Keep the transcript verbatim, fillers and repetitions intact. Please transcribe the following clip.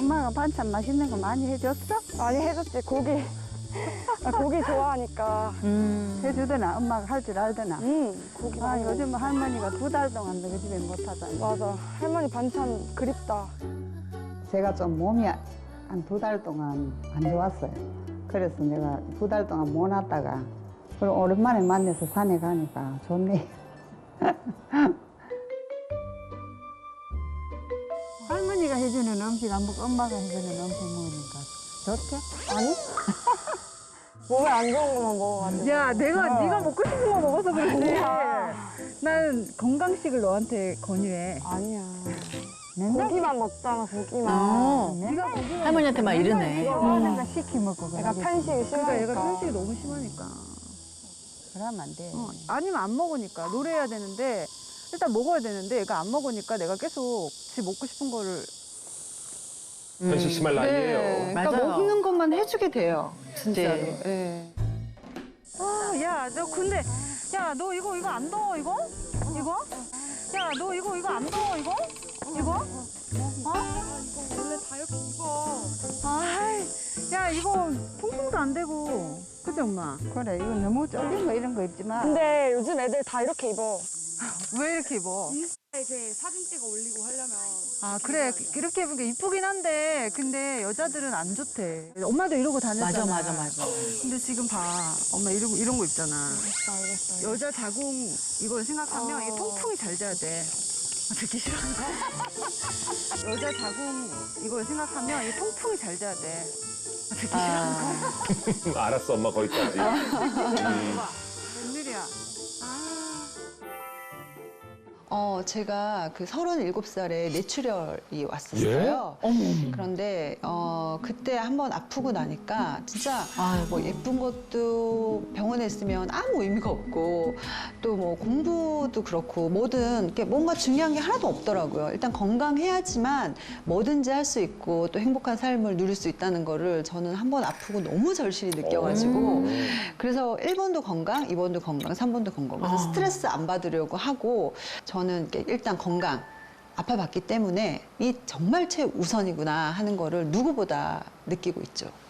엄마가 반찬 맛있는 거 많이 해줬어? 많이 해줬지, 고기. 아, 고기 좋아하니까. 음. 해주더나? 엄마가 할 줄 알더나? 음, 고기 아, 많이 요즘 할머니가 두 달 동안 너희 집에 못 하잖아. 맞아. 할머니 반찬 그립다. 제가 좀 몸이 한 두 달 동안 안 좋았어요. 그래서 내가 두 달 동안 못 왔다가 그리고 오랜만에 만나서 산에 가니까 좋네. 할머니가 해주는 음식 안 먹고 엄마가 해주는 음식 먹으니까 좋죠? 아니? 몸에 안 좋은 것만 먹어가지고. 야, 내가 어. 네가 먹고 싶은 거 먹어서 그렇지. 아니야. 난 건강식을 너한테 권유해. 아니야. 맨날 고기만 먹잖아, 고기만. 어. 네가 고기만 할머니한테 막 이러네. 좋아하는 거 시키 먹고 내가 그러겠지. 편식이 그러니까 심하니까. 얘가 편식이 너무 심하니까. 그러면 안 돼. 어, 아니면 안 먹으니까. 노래해야 되는데 일단 먹어야 되는데 얘가 안 먹으니까 내가 계속 지 먹고 싶은 거를. 편식 심할 나이에요. 네, 그러니까 맞아요. 먹는 것만 해주게 돼요. 진짜로. 네. 네. 아, 야, 너 근데 야, 너 이거 이거 안 더워 이거? 이거? 야, 너 이거 이거 안 더워 이거? 이거? 어? 원래 다 이렇게 입어. 아이, 야, 이거 통풍도 안 되고. 그치, 엄마? 그래, 이거 너무 쫄린 거 이런 거 입지만 근데 요즘 애들 다 이렇게 입어. 왜 이렇게 입어? 이렇게 사진 찍어 올리고 하려면. 아, 그래. 이렇게 입은 게 이쁘긴 한데, 근데 여자들은 안 좋대. 엄마도 이러고 다녔잖아. 맞아, 맞아, 맞아. 근데 지금 봐. 엄마 이러고, 이런 거 입잖아. 알겠어, 알겠어. 여자 자궁 이걸 생각하면 어. 이게 통풍이 잘 돼야 돼. 아, 듣기 싫어. 여자 자궁 이걸 생각하면 이게 통풍이 잘 돼야 돼. 아, 듣기 싫어. 아, 알았어, 엄마 거기까지. 음. 웬일이야. 아. 어, 제가 그 서른일곱 살에 뇌출혈이 왔었어요. 그런데 어, 그때 한번 아프고 나니까 진짜 뭐 예쁜 것도 병원에 있으면 아무 의미가 없고 또 뭐 공부도 그렇고 뭐든 이렇게 뭔가 중요한 게 하나도 없더라고요. 일단 건강해야지만 뭐든지 할 수 있고 또 행복한 삶을 누릴 수 있다는 거를 저는 한 번 아프고 너무 절실히 느껴가지고 그래서 일 번도 건강, 이 번도 건강, 삼 번도 건강. 그래서 스트레스 안 받으려고 하고 저는 이렇게 일단 건강, 아파봤기 때문에 이 정말 최우선이구나 하는 거를 누구보다 느끼고 있죠.